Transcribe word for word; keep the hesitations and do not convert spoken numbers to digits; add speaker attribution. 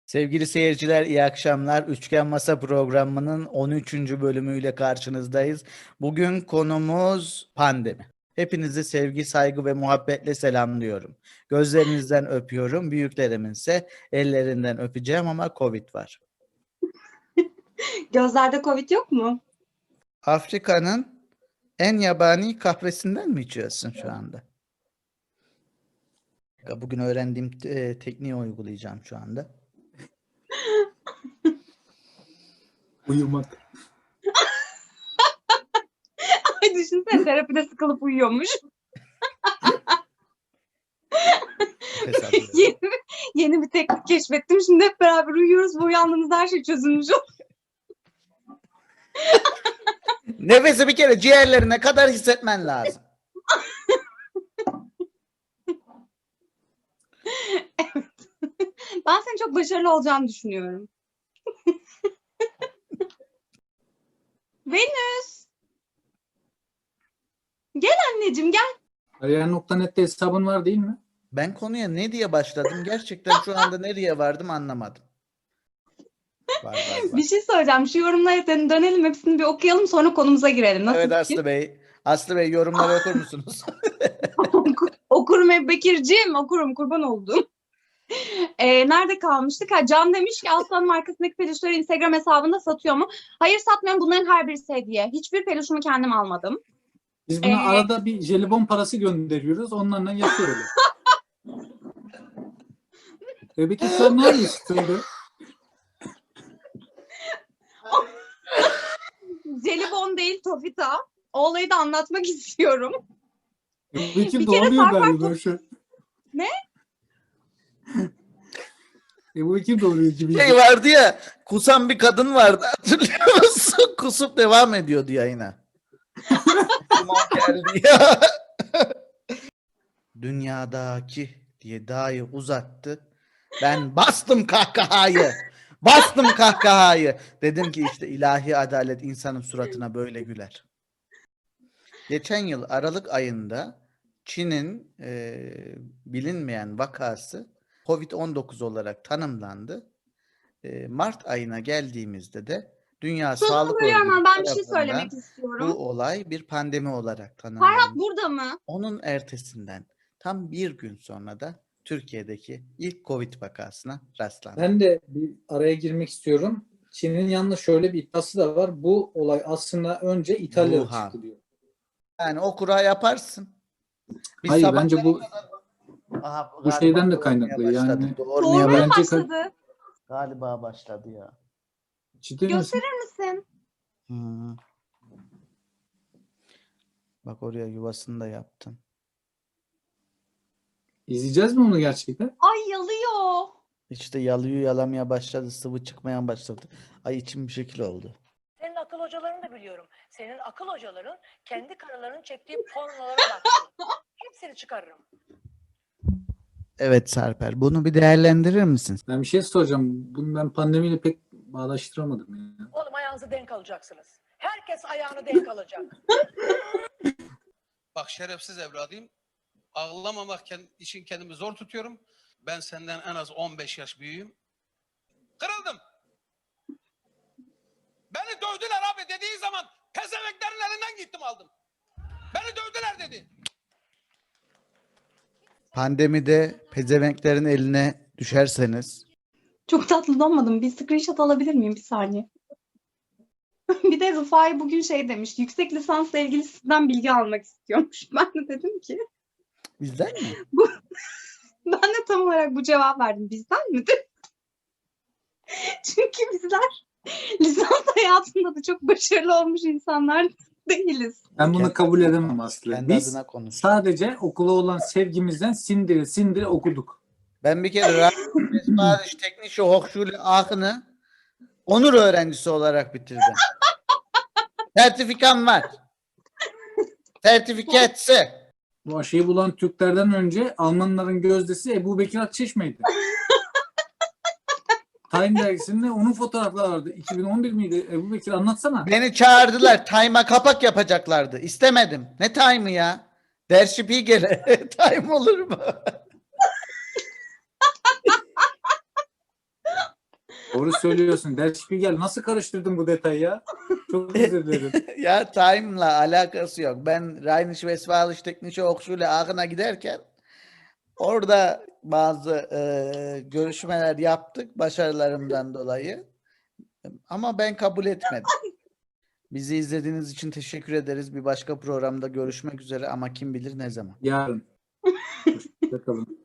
Speaker 1: Sevgili seyirciler, iyi akşamlar. Üçgen Masa programının on üçüncü bölümüyle karşınızdayız. Bugün konumuz pandemi. Hepinizi sevgi, saygı ve muhabbetle selamlıyorum. Gözlerinizden öpüyorum. Büyüklerimin ise ellerinden öpeceğim ama Covid var.
Speaker 2: Gözlerde Covid yok mu?
Speaker 1: Afrika'nın en yabani kahvesinden mi içiyorsun şu anda? Bugün öğrendiğim e, tekniği uygulayacağım şu anda.
Speaker 3: Uyumak.
Speaker 2: Ay düşünsene, terapide sıkılıp uyuyormuş. yeni, yeni bir teknik keşfettim. Şimdi hep beraber uyuyoruz ve uyandığımızda her şey çözülmüş oluyor.
Speaker 1: Nefesi bir kere ciğerlerine kadar hissetmen lazım.
Speaker 2: Evet. Ben senin çok başarılı olacağını düşünüyorum. Venüs. Gel anneciğim gel.
Speaker 3: Kariyer nokta net'te hesabın var değil mi?
Speaker 1: Ben konuya ne diye başladım? Gerçekten şu anda nereye vardım anlamadım. Var, var, var.
Speaker 2: Bir şey söyleyeceğim. Şu yorumlara dönelim, hepsini bir okuyalım, sonra konumuza girelim. Nasıl
Speaker 1: Evet
Speaker 2: fikir?
Speaker 1: Aslı Bey. Aslı Bey yorumları okur musunuz?
Speaker 2: Okurum Ebu Bekir'ciğim, okurum, kurban oldum. Ee, nerede kalmıştık? Ha, Can demiş ki Aslan markasındaki peluşları Instagram hesabında satıyor mu? Hayır, satmıyorum. Bunların her birisi hediye. Hiçbir peluşumu kendim almadım.
Speaker 3: Biz buna
Speaker 2: Ee,
Speaker 3: arada bir jelibon parası gönderiyoruz. Onlarla yapıyor öyle. Bebek sen ne yapıyorsun öyle?
Speaker 2: Jelibon değil, Tofita. O olayı da anlatmak istiyorum.
Speaker 3: Bebek'im
Speaker 2: Bir kere
Speaker 3: doğruyor
Speaker 2: Sarper
Speaker 3: galiba şu.
Speaker 2: Ne?
Speaker 3: Bebek'im doğruyor gibi.
Speaker 1: Şey vardı ya, kusan bir kadın vardı, hatırlıyor musun? Kusup devam ediyordu yayına. Aman geldi ya. Dünyadaki diye dahi uzattı. Ben bastım kahkahayı. Bastım kahkahayı. Dedim ki işte ilahi adalet insanın suratına böyle güler. Geçen yıl Aralık ayında Çin'in e, bilinmeyen vakası Covid on dokuz olarak tanımlandı. E, Mart ayına geldiğimizde de Dünya Sağlık
Speaker 2: Sözünü bölüyorum ama
Speaker 1: Örgütü
Speaker 2: ben bir şey
Speaker 1: tarafından
Speaker 2: söylemek
Speaker 1: bu
Speaker 2: istiyorum.
Speaker 1: olay bir pandemi olarak
Speaker 2: Ferhat
Speaker 1: tanımlandı.
Speaker 2: burada mı?
Speaker 1: Onun ertesinden tam bir gün sonra da Türkiye'deki ilk Covid vakasına rastlandı.
Speaker 3: Ben de bir araya girmek istiyorum. Çin'in yalnız şöyle bir iddiası da var. Bu olay aslında önce İtalya'da
Speaker 1: Wuhan.
Speaker 3: çıktı diyor.
Speaker 1: Yani o kura yaparsın. Biz
Speaker 3: Hayır
Speaker 1: sabah-
Speaker 3: bence bu
Speaker 1: Aha,
Speaker 3: bu
Speaker 1: galiba
Speaker 3: şeyden de
Speaker 1: doğurmaya
Speaker 3: kaynaklı.
Speaker 1: başladı.
Speaker 3: Yani
Speaker 1: Doğurmaya
Speaker 2: Doğurmaya
Speaker 3: bence-
Speaker 2: başladı.
Speaker 1: Galiba başladı ya.
Speaker 3: ciddi misin?
Speaker 2: Gösterir misin?
Speaker 1: Hı. Bak oraya yuvasını da yaptın.
Speaker 3: İzleyeceğiz mi onu gerçekten?
Speaker 2: Ay yalıyor.
Speaker 1: İşte yalıyor yalamaya başladı. Sıvı çıkmaya başladı. Ay içim bir şekil oldu.
Speaker 4: Senin akıl hocalarını da biliyorum. Senin akıl hocaların kendi karılarının çektiği pornolara bak. Hepsini çıkarırım.
Speaker 1: Evet Sarper. Bunu bir değerlendirir misin?
Speaker 3: Ben bir şey soracağım. Bunu ben pandemiyle pek bağdaştıramadım ya.
Speaker 4: Oğlum ayağınızı denk alacaksınız. Herkes ayağını denk alacak.
Speaker 5: Bak şerefsiz evladıyım. Ağlamamak için kendimi zor tutuyorum. Ben senden en az on beş yaş büyüğüm. Kırıldım. Beni dövdüler abi dediği zaman pezeveklerin elinden gittim aldım. Beni dövdüler dedi.
Speaker 1: Pandemide pezevenklerin eline düşerseniz
Speaker 2: Çok tatlı olmadım. Bir screenshot alabilir miyim bir saniye? Bir de Rufai bugün şey demiş. Yüksek lisansla ilgili sizden bilgi almak istiyormuş. Ben de dedim ki
Speaker 1: bizden mi?
Speaker 2: ben de tam olarak bu cevap verdim. Bizden mi? Çünkü bizler lisans hayatında da çok başarılı olmuş insanlar değiliz.
Speaker 3: Ben bunu
Speaker 1: Kendi
Speaker 3: kabul
Speaker 1: adına
Speaker 3: edemem
Speaker 1: konuş.
Speaker 3: Aslı.
Speaker 1: Kendi
Speaker 3: Biz
Speaker 1: adına konuş.
Speaker 3: sadece okula olan sevgimizden sindire sindire okuduk.
Speaker 1: Ben bir kere Radyo Teknische Hochschule Aachen'ı onur öğrencisi olarak bitirdim. Sertifikam var. Sertifikatsı.
Speaker 3: Bu aşıyı bulan Türklerden önce Almanların gözdesi Ebu Bekir Akçeşme'ydi. Time dergisinde onun fotoğrafları vardı. iki bin on bir miydi? Ebu Bekir anlatsana.
Speaker 1: Beni çağırdılar. Time'a kapak yapacaklardı. İstemedim. Ne time'ı ya? Der Spiegel'e. Time olur mu?
Speaker 3: Doğru söylüyorsun. Der Spiegel nasıl karıştırdın bu detayı ya? Çok özür dilerim.
Speaker 1: Ya Time'la alakası yok. Ben Rheinische Westfälische Technische Hochschule Aachener giderken orada bazı e, görüşmeler yaptık başarılarımdan dolayı. Ama ben kabul etmedim. Bizi izlediğiniz için teşekkür ederiz. Bir başka programda görüşmek üzere ama kim bilir ne zaman.
Speaker 3: Yarın. Hoşça kalın.